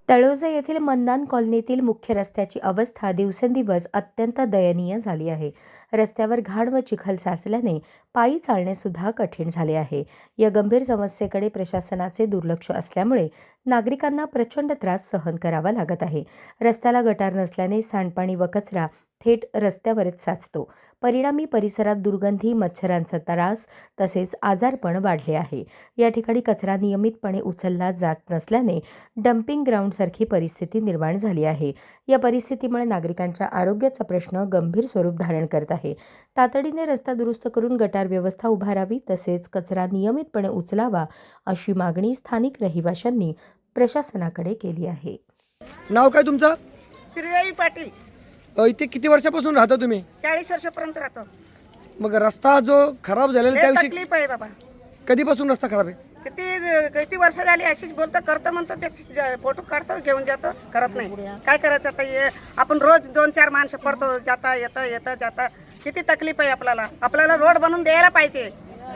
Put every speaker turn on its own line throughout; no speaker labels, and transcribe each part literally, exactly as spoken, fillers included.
तळोजा येथील मंदान कॉलनीतील मुख्य रस्त्याची अवस्था दिवसेंदिवस अत्यंत दयनीय झाली आहे. रस्त्यावर घाण व चिखल साचल्याने पायी चालणे सुद्धा कठीण झाले आहे. या गंभीर समस्येकडे प्रशासनाचे दुर्लक्ष असल्यामुळे नागरिकांना प्रचंड त्रास सहन करावा लागत आहे. रस्त्याला गटार नसल्याने सांडपाणी व कचरा थेट रस्त्यावरच साचतो. परिणामी परिसरात दुर्गंधी, मच्छरांचा त्रास तसेच आजारपण वाढले आहे. या ठिकाणी कचरा नियमितपणे उचलला जात नसल्याने डम्पिंग ग्राउंडसारखी परिस्थिती निर्माण झाली आहे. या परिस्थितीमुळे नागरिकांच्या आरोग्याचा प्रश्न गंभीर स्वरूप धारण करत आहे. तातडीने रस्ता दुरुस्त करून गटार व्यवस्था उभारावी तसेच कचरा नियमितपणे उचलावा अशी मागणी स्थानिक रहिवाशांनी प्रशासनाकडे केली आहे.
नाव काय तुमचं?
श्रीदेवी पाटील.
अ, इथे किती वर्षापासून राहता तुम्ही?
चाळीस वर्षापर्यंत राहतो.
मग रस्ता जो खराब झालेला
लय
त्याविषयी
तकलीफ आहे बाबा.
कधीपासून रस्ता खराब आहे?
किती किती वर्ष झाली अशीच बोलतो, करतो म्हणतो, ते फोटो काढतो, घेऊन जातो, करत नाही. काय करायचं आता? हे आपण रोज दोन चार माणसं पडतो, जाता येतं येतं जाता. किती तकलीफ आहे आपल्याला. आपल्याला रोड बनवून द्यायला पाहिजे,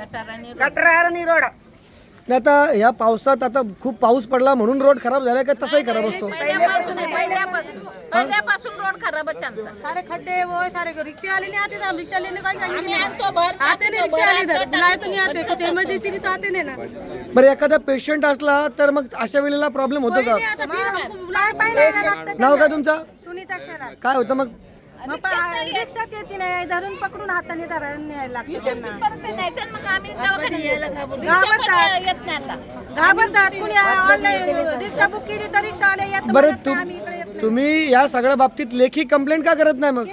गटर आणि रोड.
नाही आता ह्या पावसात आता खूप पाऊस पडला म्हणून रोड खराब झाला का तसाही खराब असतो?
पहिल्यापासून पहिल्यापासून रोड खराबच चालतात.
सारे खड्डे वो सारे रिक्शा वाले नहीं आते थे, हम रिक्शा लेने का
आम्ही आणतो भर
आते नहीं, रिक्शा वाले इधर बुलाए तो नहीं आते, कुछ इमरजेंसी नहीं तो आते नहीं ना.
बरं, एखादा पेशंट असला तर मग अशा वेळेला प्रॉब्लेम होतो का?
आता फिर हमको बुलाए पाहिजे.
नाव काय तुमचं?
सुनीता शेलार.
काय होतं मग?
मग रिक्षाच येते नाही, धरून पकडून हाताने धरायला न्यायला लागतं त्यांना.
मग आम्ही दवाखान्यात यायला घाबरतो.
घाबरतात.
येत नाही आता.
घाबरतात. कुणी ऑनलाईन रिक्षा बुक केली तर रिक्षा वाले येत
बरं,
म्हणत
तु
नाही, आम्ही इकडे येत नाही.
तुम्ही या सगळ्या बाबतीत लेखी कंप्लेंट का करत नाही? मग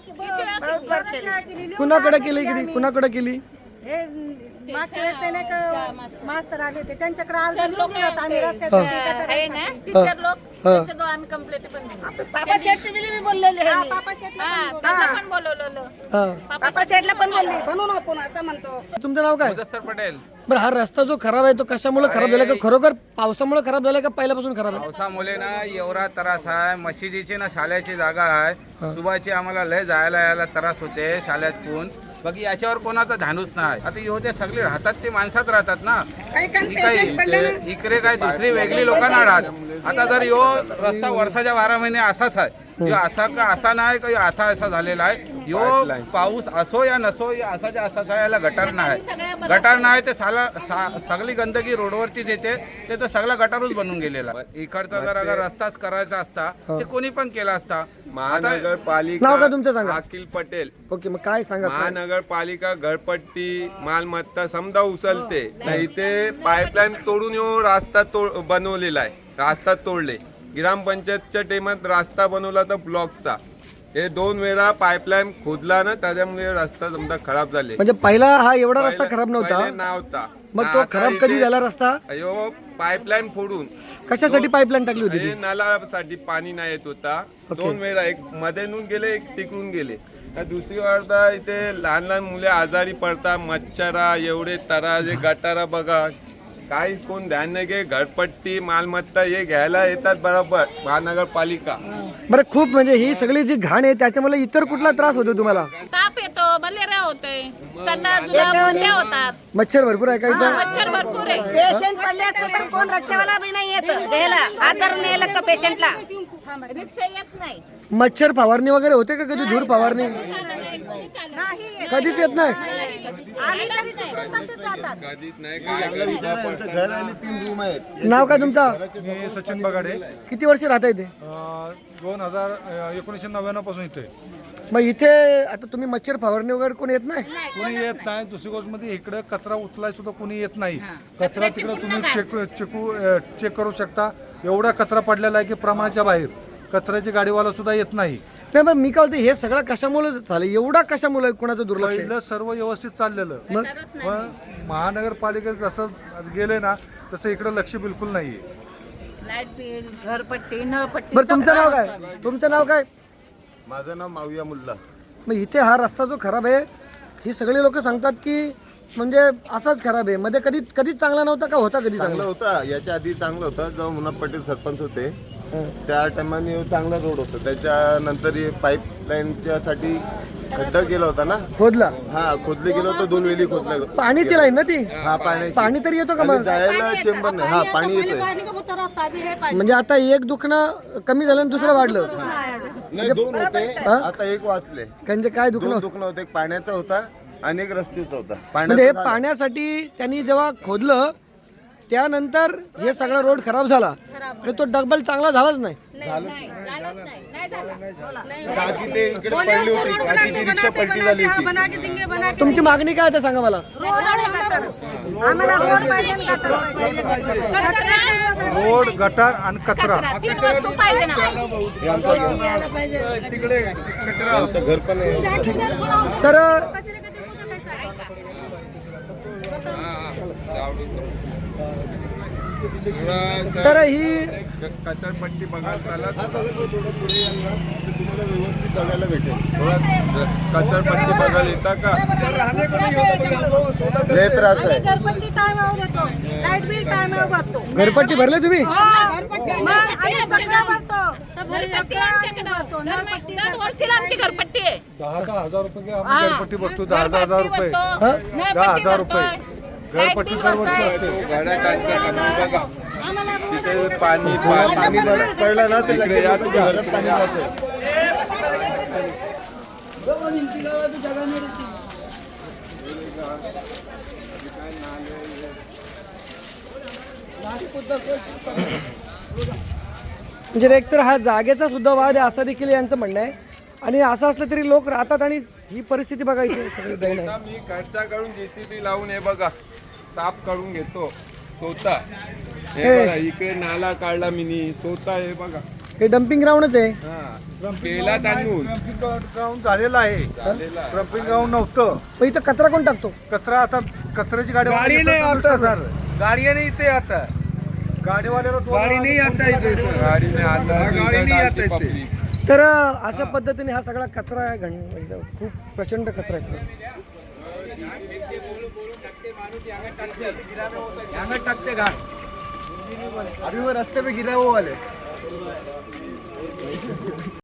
बहुत बार केली.
कुणाकडे केली की कुणाकडे केली?
हे मागच्या वेळेस ते नाही का मास्तर आले होते, त्यांच्याकडे आज दिलं होतं आम्ही रस्त्यासाठी गटार
आहे ना टीचर लोक त्यांच्याजवळ आम्ही कंप्लेंट पण दिली.
पापा शेठचे बिली बी बोललेले आहे.
पापा शेटला
हा, त्याचं पण बोलवलेलं.
हा.
पापा शेठला पण बोलली, बनवून आपण असं म्हणतो.
तुमचं नाव काय?
मुदस्सर पटेल.
बरं, हा रस्ता जो खराब आहे तो कशामुळे खराब झाला? का खरोखर पावसामुळे खराब झाला का पहिल्यापासून खराब आहे?
पावसामुळे ना एवढा त्रास आहे. मशिदीची ना शाळेची जागा आहे, सुबाची आम्हाला लय जायला यायला त्रास होते शाळेतून. बाकी याच्यावर कोणाचा धानूच नाही. आता ह्यो ते सगळे राहतात ते माणसात राहतात ना.
काही काही
ही
पेशंट पडले ना.
काही इकडे काय दुसरी वेगळी लोकांना राहत. आता जर यो रस्ता वर्षाच्या बारा महिने असाच आहे, यो असा का असा नाही का, आता असा झालेला आहे. यो पाऊस असो या नसो, या असाच्या असाच आहे. याला गटार नाही, गटार नाही ते साला सा- सगळी गंदगी रोडवरतीच येते. ते तर सगळा गटारच बनून गेलेला आहे. इकडचा जर अगर रस्ताच करायचा असता ते कोणी पण केला असता.
महानगरपालिका
नाव का तुमचं सांगा?
अखिल पटेल.
ओके, मग काय सांगा? काय?
महानगरपालिका घरपट्टी मालमत्ता समजा उचलते, तर इथे पाईपलाईन तोडून येऊन रस्ता तोड बनवलेला आहे. रस्ता तोडले. ग्रामपंचायतच्या टेमात रस्ता बनवला तर ब्लॉकचा. हे दोन वेळा पाईपलाईन खोदला ना, त्याच्यामुळे रस्ता समजा खराब झाले.
म्हणजे पहिला हा एवढा रस्ता खराब नव्हता.
पहिले नव्हता.
मग तो
आता
खराब कधी
इथे-
झाला रस्ता?
अयो पाईपलाईन फोडून
कशासाठी पाईपलाईन टाकली होती ती?
हे नळासाठी पाणी नाही येत होता. दोन वेळा, एक मधून गेले, एक तिकडून गेले. तर दुसरी वार्ता इथे लहान लहान मुले आजारी पडतात. मच्छरा एवढे तराजे गटारा बघा, काहीच कोण ध्यान नाही घे. घरपट्टी मालमत्ता हे घ्यायला येतात बरोबर महानगरपालिका.
बरं, खूप म्हणजे ही सगळी जी घाण आहे त्याच्यामुळे इतर कुठला त्रास होतो तुम्हाला?
ताप येतो, मलेरिया होते, संडास जुलाब उलट्या होतात,
मच्छर भरपूर आहे का इथं?
मच्छर भरपूर आहे.
पेशंट पडले असते तर कोण रिक्षावाला बी नाही येत घ्यायला. आजार नाही लागतं पेशंटला.
रिक्षा येत नाही.
मच्छर फवारणी वगैरे होते का कधी? धूर फवारणी
नाही
कधीच येत नाही.
आली तरी तिकडून तसेच जातात.
कधीच नाही.
नाव काय तुमचं?
मी सचिन बगाडे.
किती वर्ष राहता इथे?
दोन हजार एकोणीसशे नव्याण्णव पासून इथे.
मग इथे आता तुम्ही मच्छर फवारणी वगैरे कोणी येत नाही?
कोणी येत नाही. दुसरी गोष्ट मध्ये इकडे कचरा उचलाय सुद्धा कोणी येत नाही. कचरा तिकडे तुम्ही चेक चेकू चेक करू शकता. एवढा कचरा पडलेला आहे की प्रमाणाच्या बाहेर. कचऱ्याची गाडीवाला सुद्धा येत नाही.
नाही, पण मी काय बोलते, हे सगळं कशामुळे झालं? एवढा कशामुळे कोणाचं दुर्लक्ष आहे?
पहिलं सर्व व्यवस्थित चाललेलं,
मग
पण महानगरपालिकेत जसं गेले ना तसं इकडे लक्ष बिलकुल नाहीये.
लाईट बिल, घरपट्टी, नळपट्टी.
बरं, तुमचं नाव काय? तुमचं नाव काय?
माझं नाव माविया मुल्ला.
मग इथे हा रस्ता जो खराब आहे, ही सगळी लोक सांगतात की म्हणजे असाच खराब आहे. मध्ये कधी कधीच चांगला नव्हता का? होता कधी
चांगलं
चांगला?
होता, याच्या आधी चांगलं होतं. जेव्हा मुन्ना पटेल सरपंच होते त्या टायमाने चांगला रोड होता. त्याच्यानंतर पाईपलाईनच्या साठी खड्डा केला होता ना.
खोदला
हा खोदले गेलो होतं, दोन वेळी खोदलं.
पाणीची लाईन ना ती.
हा पाण्याची.
पाणी तरी येतो का मग?
जायला चेंबर नाही. हा पाणी येतोय.
म्हणजे आता एक दुखणं कमी झालं आणि दुसरं वाढलं.
नाही दोन होते, आता एक वाचले.
म्हणजे काय दुखणं
दोन
होतं?
दुखणं होते, एक पाण्याचा होता आणि एक रस्त्याचा होता.
म्हणजे हे
पाण्याचा झाला.
पाण्यासाठी त्यांनी जेव्हा खोदलं त्यानंतर हे सगळा रोड खराब झाला आणि तो डबल चांगला झालाच नाही.
काकी ते इकडे पडली होती, काकीची रिक्षा पलटी झाली होती.
तुमची मागणी काय आहे ते सांगा मला.
आम्हाला रोड पाहिजे आणि गटर पाहिजे.
रोड गटार आणि कचरा
तीन वस्तू पाहिजे ना.
आमचं घर पण आहे.
तर तर ही
कचरपट्टी बघा त्याला
हा सगळं थोडं पुढे याल ना, तर तुम्हाला व्यवस्थित बघायला भेटेल.
कचरपट्टी बघायला येता का?
लय त्रास आहे.
घरपट्टी टायमावर येतो, लाईट बिल टायमावर भरतो.
घरपट्टी भरले तुम्ही?
मग आम्ही सगळं भरतो.
घरपट्टी आमच्याकडे दरवर्षीला आमची घरपट्टी आहे.
दहा दहा हजार रुपये आम्ही घरपट्टी बसतो. दहा दहा हजार रुपये
घरपट्टी
दहा हजार रुपये घरपट्टी दरवर्षी असते.
गाड्या काढच्या खाली बघा तिथे पाणी
पाणी
पाणी
बरं पडलं ना ते लगेच लोकांच्या घरात पाणी जातं.
म्हणजे एकतर हा जागेचा सुद्धा वाद आहे असं देखील यांचं म्हणणं आहे. आणि असं असलं तरी लोक राहतात आणि ही परिस्थिती बघायची सगळी दैन आहे.
आता मी खर्चाकडून जेसीबी लावून हे बघा साफ करून घेतो स्वतः. हे बघा इकडे नाला काढला मिनी स्वतः. हे बघा
हे डम्पिंग ग्राउंडच आहे.
हा केला तांदूळ
ग्राउंड झालेलं आहे. ट्रम्पिंग ग्राउंड नव्हतं.
पण इथं कचरा कोण टाकतो?
कचरा आता कचऱ्याची गाडी गाडी नाही आता सर. गाडी नाही इथे आता गाडीवाल्याला गाडी नाही आता इथे
गाडीने आता
गाडी नाही आता इथे.
पब्लिक
तर अशा पद्धतीने हा सगळा कचरा आहे. घण एकदम खूप प्रचंड कचरा आहे सगळा.
अभी वो रास्ते पे गिरा वो वाले